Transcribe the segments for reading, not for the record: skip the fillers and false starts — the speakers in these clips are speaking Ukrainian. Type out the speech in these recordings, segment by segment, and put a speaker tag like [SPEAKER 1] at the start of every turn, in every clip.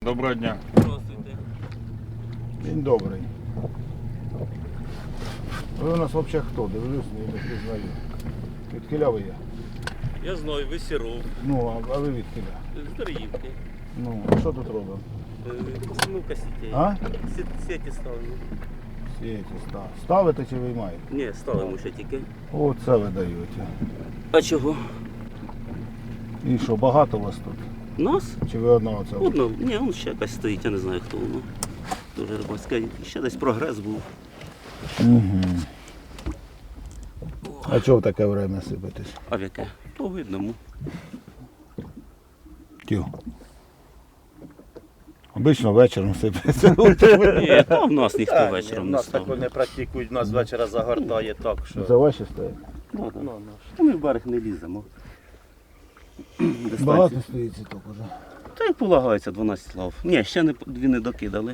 [SPEAKER 1] Доброго дня.
[SPEAKER 2] Здравствуйте.
[SPEAKER 3] День добрий. Ви у нас взагалі хто? Дивлюсь, не пізнаю. Відкіля ви є?
[SPEAKER 2] Я знаю, ви Сіров,
[SPEAKER 3] Ну, а ви відкіля?
[SPEAKER 2] з Дар'ївки.
[SPEAKER 3] Ну, а що тут робимо?
[SPEAKER 2] Постановка сітей.
[SPEAKER 3] А?
[SPEAKER 2] Сеті ставимо.
[SPEAKER 3] Сієте, ставите чи виймаєте?
[SPEAKER 2] Ні, ставимо ще тільки.
[SPEAKER 3] Оце ви даєте.
[SPEAKER 2] А чого?
[SPEAKER 3] І що, багато вас тут?
[SPEAKER 2] Нас?
[SPEAKER 3] Чи ви одного це?
[SPEAKER 2] Одно. Ні, он ще якась стоїть, я не знаю хто воно. Дуже рибацька. Ще десь прогрес був.
[SPEAKER 3] Угу. А чого в таке время сипетесь?
[SPEAKER 2] А в яке? По видному.
[SPEAKER 3] Тю. Обично вечором сипеться.
[SPEAKER 2] Ні, там в нас ніхто вечором
[SPEAKER 4] У
[SPEAKER 2] не
[SPEAKER 4] нас
[SPEAKER 2] ставить.
[SPEAKER 4] такого не практикують, у нас вечора загортає так, що...
[SPEAKER 3] Це ваші стоять?
[SPEAKER 2] Ну, да. Та ми в берег не ліземо.
[SPEAKER 3] Багато стоїть ціток уже.
[SPEAKER 2] Та як полагається, 12 лав. Ні, ще дві не докидали.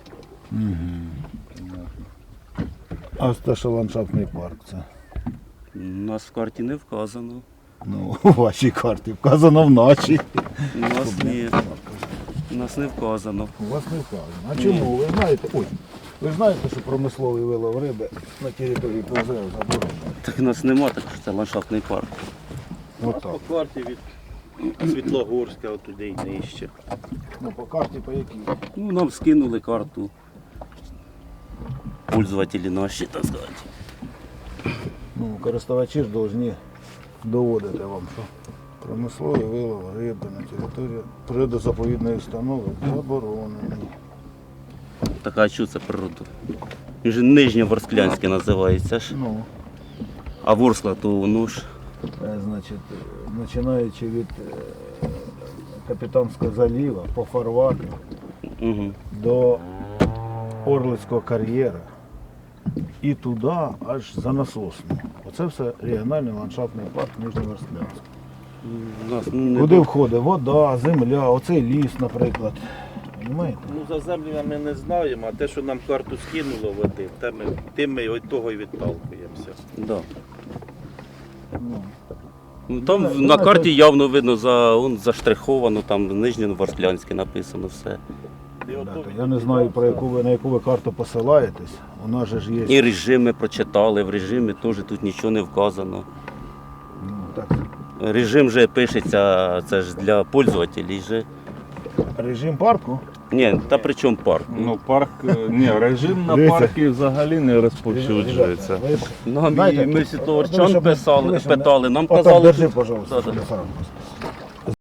[SPEAKER 3] А ось те, що ландшафтний парк це.
[SPEAKER 2] У нас в карті не вказано.
[SPEAKER 3] Ну, у вашій карті вказано вночі.
[SPEAKER 2] У нас ні. У нас не вказано.
[SPEAKER 3] У вас не вказано. А чому? Ви знаєте, ви знаєте, що промисловий вилов риби на території ПЗР заборонено?
[SPEAKER 2] Так у нас нема, так що це ландшафтний парк.
[SPEAKER 3] Отак.
[SPEAKER 4] По карті від Світлогорська отуди й нижче.
[SPEAKER 3] Ну, по карті по якій?
[SPEAKER 2] Ну, нам скинули карту. Пользователі наші, так сказати.
[SPEAKER 3] Ну, користувачі ж повинні доводити вам, що промисловий вилов риби на території природозаповідної установи заборонений.
[SPEAKER 2] Так, а що це природа? Він же Нижньоворсклянське називається ж.
[SPEAKER 3] Ну,
[SPEAKER 2] А Ворскла то воно ж.
[SPEAKER 3] значить, починаючи від Капітанського заліва по фарватеру
[SPEAKER 2] Угу.
[SPEAKER 3] до Орлицького кар'єра і туди аж за Насосну. Оце все регіональний ландшафтний парк Нижньоворсклянськ.
[SPEAKER 2] У нас не
[SPEAKER 3] Куди входить вода, земля, оцей ліс, наприклад. Понимаєте?
[SPEAKER 4] Ну за землю ми не знаємо, а те, що нам карту скинуло води, тим ми від того і відталкуємося.
[SPEAKER 2] Да.
[SPEAKER 3] Ну,
[SPEAKER 2] Ну, там
[SPEAKER 3] Ну,
[SPEAKER 2] на
[SPEAKER 3] ну,
[SPEAKER 2] карті явно видно, заштриховано, там Нижньоворсклянське написано все.
[SPEAKER 4] І ото
[SPEAKER 3] ребята, я не знаю, на яку ви карту посилаєтесь. У нас же ж є.
[SPEAKER 2] І режими прочитали, в режимі теж тут нічого не вказано.
[SPEAKER 3] Ну, так,
[SPEAKER 2] Режим же пишеться, це ж для пользователів же.
[SPEAKER 3] режим парку.
[SPEAKER 2] Ні, та при чому парк?
[SPEAKER 1] Ну, парк, ні, режим на
[SPEAKER 3] Дивіться.
[SPEAKER 1] парки взагалі не розповсюджується.
[SPEAKER 3] Ребята, ви ж
[SPEAKER 2] Нам
[SPEAKER 3] знаєте,
[SPEAKER 2] і ми
[SPEAKER 3] ну,
[SPEAKER 2] світловарчан
[SPEAKER 3] щоб-
[SPEAKER 2] питали,
[SPEAKER 3] дивись,
[SPEAKER 2] нам
[SPEAKER 3] отак
[SPEAKER 2] казали,
[SPEAKER 3] держи,
[SPEAKER 2] що-
[SPEAKER 3] пожалуйста,
[SPEAKER 2] Да-да.
[SPEAKER 3] телефон.